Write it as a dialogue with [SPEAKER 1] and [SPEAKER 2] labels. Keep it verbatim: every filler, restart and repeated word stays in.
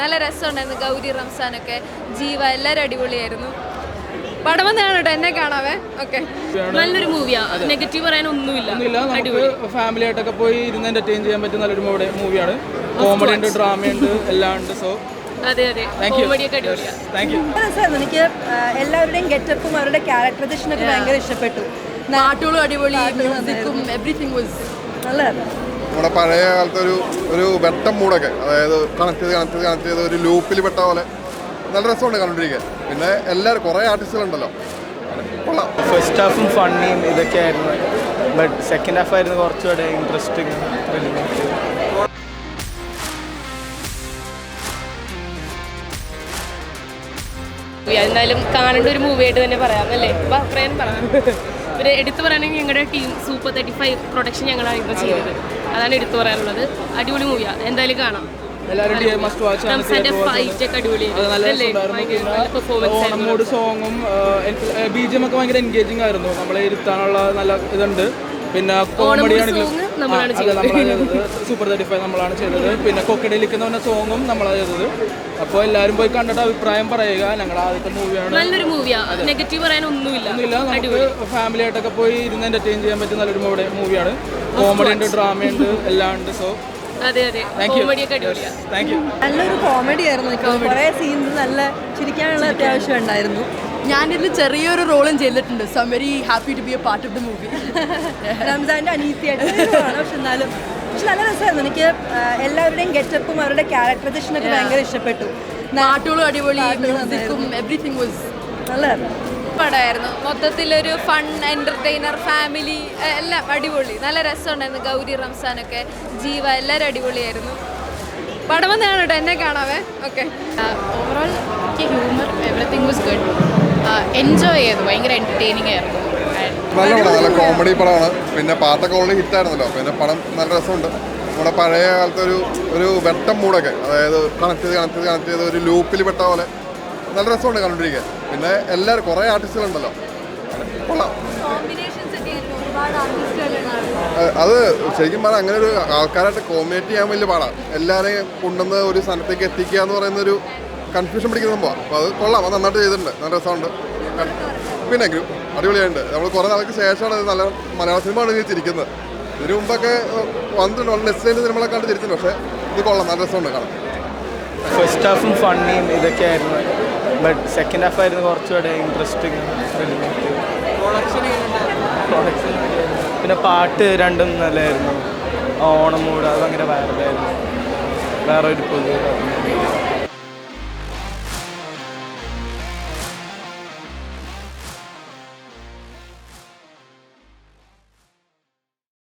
[SPEAKER 1] നല്ല രസമുണ്ടായിരുന്നു. ഗൗരി റംസാനൊക്കെ, ജീവ, എല്ലാവരും അടിപൊളിയായിരുന്നു. പടം വന്ന് കാണട്ടോ, എന്നെ കാണാവേ. ഓക്കെ,
[SPEAKER 2] നല്ലൊരു മൂവിയാ, നെഗറ്റീവ് പറയാൻ ഒന്നുമില്ല.
[SPEAKER 3] ഫാമിലി ആയിട്ടൊക്കെ പോയി ഇരുന്ന് എന്റർടൈൻ ചെയ്യാൻ പറ്റുന്ന നല്ലൊരു മൂവിയാണ്. കോമഡി ഉണ്ട്, ഡ്രാമ ഉണ്ട്, എല്ലാം ഉണ്ട്. സോ
[SPEAKER 2] അതെ അതെ, കോമഡിയൊക്കെ അടിപൊളിയാ.
[SPEAKER 3] Thank you.
[SPEAKER 4] എനിക്ക് എല്ലാവരുടെയും ഗെറ്റപ്പും അവരുടെ ക്യാരക്ടറൈസേഷനൊക്കെ ഭയങ്കര ഇഷ്ടപ്പെട്ടു. നാട്ടുകളും അടിപൊളി, മ്യൂസിക്കും എവറിത്തിങ് വാസ് നല്ലതായിരുന്നു.
[SPEAKER 5] നമ്മുടെ പഴയ കാലത്തെ ഒരു ഒരു വെട്ടം മൂടൊക്കെ, അതായത് കണക്ട് ചെയ്ത് കണക്ട് ചെയ്ത് കണക്ട് ചെയ്ത് ഒരു ലൂപ്പിൽ പെട്ട പോലെ നല്ല രസമുണ്ട് കണ്ടുകൊണ്ടിരിക്കാൻ. പിന്നെ എല്ലാവരും കുറേ ആർട്ടിസ്റ്റുകളുണ്ടല്ലോ, കൊള്ളാം.
[SPEAKER 3] ഫസ്റ്റ് ഹാഫും ഫണ്ണിയും ഇതൊക്കെ ആയിരുന്നു, ബട്ട് സെക്കൻഡ് ഹാഫ് ആയിരുന്നു കുറച്ചുകൂടെ ഇൻട്രസ്റ്റിംഗ്.
[SPEAKER 2] എന്തായാലും കാണേണ്ട ഒരു മൂവിയായിട്ട് തന്നെ പറയാം അല്ലേ? അഭിപ്രായം പറയാം. ഒരു എടുത്തു പറയുകയാണെങ്കിൽ ഞങ്ങളുടെ team super thirty five production ഞങ്ങളാണ് ഇപ്പോൾ ചെയ്തത്. അതാണ് എടുത്തു പറയാനുള്ളത്. അടിപൊളി മൂവിയാണ്, എന്തായാലും കാണാം.
[SPEAKER 3] ഓണമോട് സോങ്ങും ബി ജി എം ഒക്കെ ഭയങ്കര എൻഗേജിങ് ആയിരുന്നു. നമ്മളെ ഇരുത്താനുള്ള നല്ല ഇതുണ്ട്. പിന്നെ കോമഡി ആണെങ്കിലും സൂപ്പർ തേർട്ടി ഫൈവ് നമ്മളാണ് ചെയ്തത്. പിന്നെ കൊക്കടയിലേക്ക് എന്ന് പറഞ്ഞ സോങ്ങും നമ്മളാണ് ചെയ്തത്. അപ്പോൾ എല്ലാവരും പോയി കണ്ടിട്ട് അഭിപ്രായം പറയുക. ഞങ്ങൾ ആദ്യത്തെ മൂവിയാണ്,
[SPEAKER 2] നല്ലൊരു മൂവിയാ, നെഗറ്റീവ് പറയാൻ ഒന്നുമില്ല.
[SPEAKER 3] നമുക്ക് ഫാമിലി ആയിട്ടൊക്കെ പോയി ഇരുന്ന് എന്റർടൈൻ ചെയ്യാൻ പറ്റുന്ന നല്ലൊരു മൂവിയാണ്. കോമഡി ഉണ്ട്, ഡ്രാമ ഉണ്ട്, എല്ലാം ഉണ്ട്. സോ
[SPEAKER 2] അതെ അതെ, കോമഡിയൊക്കെ അടിപൊളിയാ.
[SPEAKER 3] Thank U.
[SPEAKER 4] നല്ലൊരു കോമഡി ആയിരുന്നു. കുറേ സീൻസ് നല്ല ചിരിക്കാനുള്ള അത്യാവശ്യം ഉണ്ടായിരുന്നു.
[SPEAKER 6] ഞാനിതിൽ ചെറിയൊരു റോളും ചെയ്തിട്ടുണ്ട്. So I'm very happy to be a part of the movie.
[SPEAKER 4] റംസാൻ്റെ അനീതിയായിട്ട്, പക്ഷെ എന്നാലും പക്ഷെ നല്ല രസമായിരുന്നു. എനിക്ക് എല്ലാവരുടെയും ഗെറ്റപ്പും അവരുടെ ക്യാരക്ടറൈസേഷനൊക്കെ ഭയങ്കര ഇഷ്ടപ്പെട്ടു.
[SPEAKER 6] നാട്ടുകളും അടിപൊളി, മ്യൂസിക്കും എവറിത്തിങ് വാസ്
[SPEAKER 4] നല്ലതായിരുന്നു.
[SPEAKER 1] പടമായിരുന്നു. മൊത്തത്തിലൊരു ഫൺ, എൻ്റർടൈനർ, ഫാമിലി, എല്ലാം അടിപൊളി. നല്ല രസമുണ്ടായിരുന്നു. ഗൗരി റംസാനൊക്കെ, ജീവ, എല്ലാവരും അടിപൊളിയായിരുന്നു. പടം വന്ന് കാണട്ടോ, എന്നെ കാണാവേ. ഓക്കെ,
[SPEAKER 7] ഓവറോൾ എനിക്ക് humour everything was good. Enjoy ചെയ്തു, ഭയങ്കര എൻ്റർടൈനിങ് ആയിരുന്നു.
[SPEAKER 5] നല്ല പടം, നല്ല കോമഡി പടമാണ്. പിന്നെ പാട്ടൊക്കെ ഓൾറെഡി ഹിറ്റായിരുന്നല്ലോ, പിന്നെ പടം നല്ല രസമുണ്ട്. നമ്മുടെ പഴയ കാലത്തെ ഒരു ഒരു വെട്ടം മൂടൊക്കെ, അതായത് കണക്ട് ചെയ്ത് കണക്ട് ചെയ്ത് കണക്ട് ചെയ്ത് ഒരു ലൂപ്പിൽ പെട്ട പോലെ നല്ല രസമുണ്ട് കണ്ടുകൊണ്ടിരിക്കാൻ. പിന്നെ എല്ലാവരും കുറേ ആർട്ടിസ്റ്റുകളുണ്ടല്ലോ, കൊള്ളാം. അത് ശരിക്കും പറഞ്ഞാൽ അങ്ങനെ ഒരു ആൾക്കാരായിട്ട് കോമ്പിനേറ്റ് ചെയ്യാൻ വലിയ പാടാണ്. എല്ലാവരെയും കൊണ്ടുവന്ന് ഒരു സ്ഥലത്തേക്ക് എത്തിക്കുക എന്ന് പറയുന്നൊരു കൺഫ്യൂഷൻ പിടിക്കുന്ന സംഭവമാണ്. അപ്പോൾ അത് കൊള്ളാം, അത് നന്നായിട്ട് ചെയ്തിട്ടുണ്ട്, നല്ല രസമുണ്ട്. പിന്നെ അടിപൊളിയായിട്ടുണ്ട്. നമ്മൾ കുറേ നാൾക്ക് ശേഷമാണ് ഇത് നല്ല മലയാള സിനിമയാണ് ചിരിക്കുന്നത്. ഇതിനു മുമ്പൊക്കെ വന്നിട്ടുണ്ട്, വളരെ നെസ്റ്റിൻ്റെ സിനിമകളൊക്കെ കണ്ട് ചിരിച്ചിട്ടുണ്ട്. പക്ഷേ ഇത് കൊള്ളാം, നല്ല രസമുണ്ട് കാണാൻ.
[SPEAKER 3] ഫസ്റ്റ് ഹാഫും ഫണ്ണിയും ഇതൊക്കെ ആയിരുന്നു, ബട്ട് സെക്കൻഡ് ഹാഫ് ആയിരുന്നു കുറച്ചുകൂടെ ഇൻട്രസ്റ്റിംഗ്. പിന്നെ പാട്ട് രണ്ടും നല്ലതായിരുന്നു. ഓണം മൂഡ് അത് ഭയങ്കര വൈറലായിരുന്നു. വേറെ ഒരു പുതിയ